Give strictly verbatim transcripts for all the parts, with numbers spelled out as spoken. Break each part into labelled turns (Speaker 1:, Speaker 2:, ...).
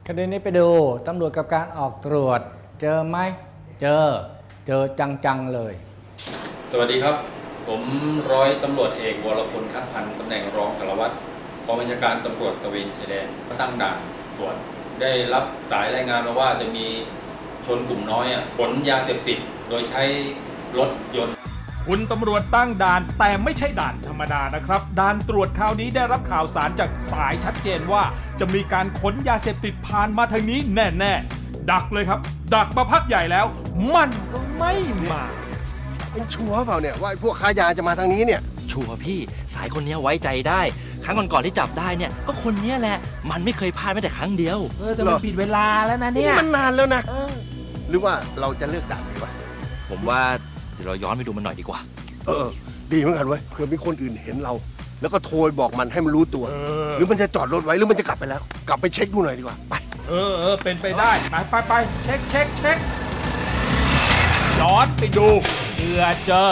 Speaker 1: คดีนี้ไปดูตำรวจกับการออกตรวจเจอไหมเจอเจอจังๆเลย
Speaker 2: สวัสดีครับผมร้อยตำรวจเอกวรพลคัดพันธ์ตำแหน่งรองสารวัตรกองบัญชาการตำรวจตระเวนชายแดนตั้งด่านตรวจได้รับสายรายงานมาว่าจะมีชนกลุ่มน้อยขนยาเสพติดโดยใช้รถยนต์
Speaker 3: คุณตำรวจตั้งด่านแต่ไม่ใช่ด่านธรรมดานะครับด่านตรวจคราวนี้ได้รับข่าวสารจากสายชัดเจนว่าจะมีการขนยาเสพติดผ่านมาทางนี้แน่ๆดักเลยครับดักมาพักใหญ่แล้วมันก็ไม่มา
Speaker 4: เป็นชัวร์เปล่าเนี่ยว่าพวกค้ายาจะมาทางนี้เนี่ย
Speaker 5: ชัวร์พี่สายคนนี้ไว้ใจได้ครั้งก่อนๆที่จับได้เนี่ยก็คนนี้แหละมันไม่เคยพลาดแม้แต่ครั้งเดียว
Speaker 6: เออแต่มันผิดเวลาแล้วนะเนี่ย
Speaker 4: มันนานแล้วนะหรือว่าเราจะเลือกด่านดีวะ
Speaker 5: ผมว่าเดี๋ยวเราย้อนไปดูมันหน่อยดีกว่า
Speaker 4: เออดีเหมือนกันเว้ยเผื่อมีคนอื่นเห็นเราแล้วก็โทรบอกมันให้มันรู้ตัวหรือมันจะจอดรถไว้หรือมันจะกลับไปแล้วกลับไปเช็คดูหน่อยดีกว่าไป
Speaker 3: เออเออเป็นไปได้ไปไปไปเช็คเช็คเช็คย้อนไปดูเผื่อเจอ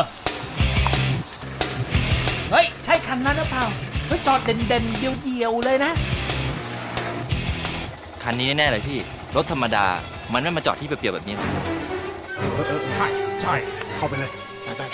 Speaker 6: เฮ้ยใช่คันนั้นหรือเปล่าเฮ้ยจอดเด่นเด่นเดียวเดียวเลยนะ
Speaker 5: คันนี้แน่ๆเลยพี่รถธรรมดามันไม่มาจอดที่เปรียวๆแบบนี้นะ
Speaker 3: ใช่ใช่
Speaker 4: เข้าไปเลยไปไ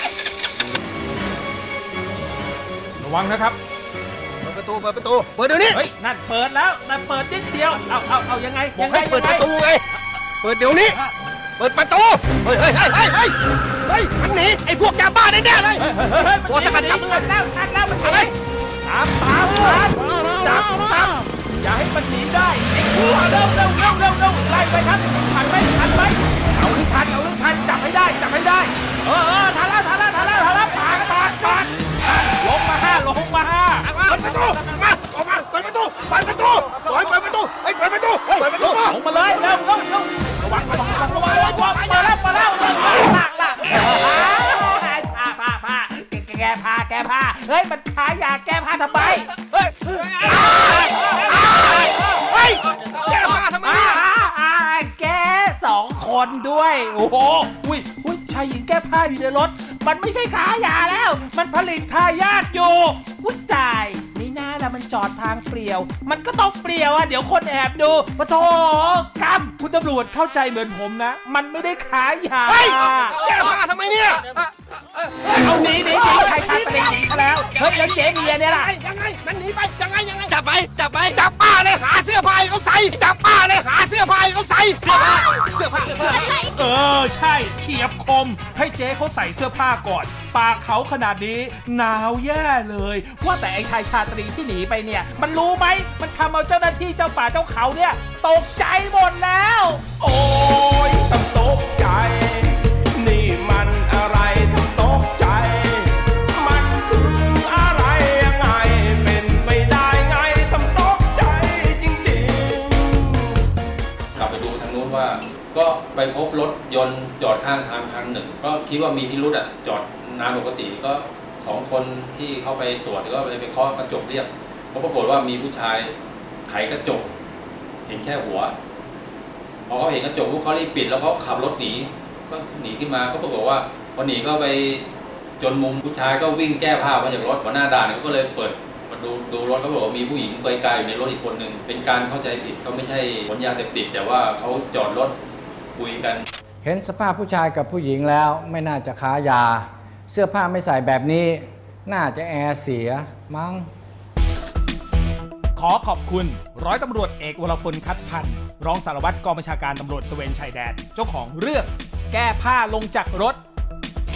Speaker 3: ประวังนะครับ
Speaker 4: เปิดประตูเปิดประตูเปิดเดี๋ยวนี้
Speaker 6: เฮ้ยนั่นเปิดแล้วนั่นเปิดนิดเดียวเอาเอาเอายังไง
Speaker 4: บอกให้เปิดประตูไงเปิดเดี๋ยวนี้เปิดประตูเฮ้ยเฮ้ยเฮ้ยเฮ้ยเฮ้ยเฮ้ยมันหนีไอ้พวกยาบ้าแน่ๆเลยตัวสกัดจับ
Speaker 6: ชัดแล้วชัดแล้วมันหนีตามตามตามจับจับอย่าให้มันหนีได้ไอ้ชั่วเร็วเร็วเร็วเร็วเร็วไล่ไปครับทันไหมทันไหมเอาให้ทันเอาให้ทันจับให้ได้จับให้ได้เออเออทันแล้วทันแล้วทันแล้วทันแล้วปาดปาดปาดลงมาห้าลงมาห้า
Speaker 4: เปิดประตูมาออกมาเปิดประตูเปิดประตูปล่อยเปิดประตูไอ้เปิดประตูเปิดประตู
Speaker 6: ลงมาเลยเร็วเร็วเร็วระวังระวังระวังระวังระวังมาแล้วมาแล้วลากลากพาพาพาแกพาแกพาเฮ้ยมันขายยาแกพาทำไมเฮ้ย
Speaker 4: เฮ้ยแกพาทำไม
Speaker 6: แกสองคนด้วยโอ้โหอุ้ยอุ้ยชายหญิงแก้ผ้าอยู่ในรถมันไม่ใช่ขายยาแล้วมันผลิตทายาทอยู่อุ้ยตายไม่น่าละมันจอดทางเปลี่ยวมันก็ต้องเปลี่ยวอ่ะเดี๋ยวคนแอบดูปะโถกรรมคุณตำรวจเข้าใจเหมือนผมนะมันไม่ได้ขายยา
Speaker 4: เฮ้ยแกพาทำไมเนี่ย
Speaker 6: เอาหนีหนีหนีชายชาตรีหนีซะแล้วเฮ้ยแล้วเจ๊เมียเนี่ยล่ะ
Speaker 4: ยังไงมันหนีไปยังไงยังไง
Speaker 5: จับไปจับไป
Speaker 4: จับป้าเลยหาเสื้อผ้าเขาใส่จับป้าเลยหาเสื้อผ้าเขาใส่เสื้อผ้าเสื้อผ้า
Speaker 3: เออใช่เฉียบคมให้เจ๊เขาใส่เสื้อผ้าก่อนปากเขาขนาดนี้หนาวแย่เลยว่าแต่ไอ้ชายชาตรีที่หนีไปเนี่ยมันรู้ไหมมันทำเอาเจ้าหน้าที่เจ้าป่าเจ้าเขาเนี่ยตกใจหมดแล้ว
Speaker 7: โอ้ยทำตกใจนี่มันอะไรทำตกใจมันคืออะไรยังไงเป็นไปได้ไงทำตกใจจริงๆ
Speaker 2: กลับไปดูทางนู้นว่าก็ไปพบรถยนต์จอดข้างทางคันหนึ่งก็คิดว่ามีพิรุธอ่ะจอดนานปกติก็สองคนที่เข้าไปตรวจก็ไปไปเคาะกระจกเรียกเพราะปรากฏว่ามีผู้ชายไขกระจกเห็นแค่หัวพอเขาเห็นกระจกเขารีบปิดแล้วเขาขับรถหนีก็หนีขึ้นมาก็ปรากฏว่าพอหนีก็ไปจนมุมผู้ชายก็วิ่งแก้ผ้ามาจากรถหัวหน้าด่านเขาก็เลยเปิดมาดูดูรถเขาบอกว่ามีผู้หญิงไกลๆอยู่ในรถอีกคนหนึ่งเป็นการเข้าใจผิดเขาไม่ใช่ขนยาเสพติดแต่ว่าเขาจอดรถคุยกัน
Speaker 1: เห็นสภาพผู้ชายกับผู้หญิงแล้วไม่น่าจะค้ายาเสื้อผ้าไม่ใส่แบบนี้น่าจะแอร์เสียมั้ง
Speaker 3: ขอขอบคุณร้อยตำรวจเอกวรพลคัดพันธ์รองสารวัตรกองบัญชาการตำรวจตระเวนชายแดนเจ้าของเรื่องแก้ผ้าลงจากรถ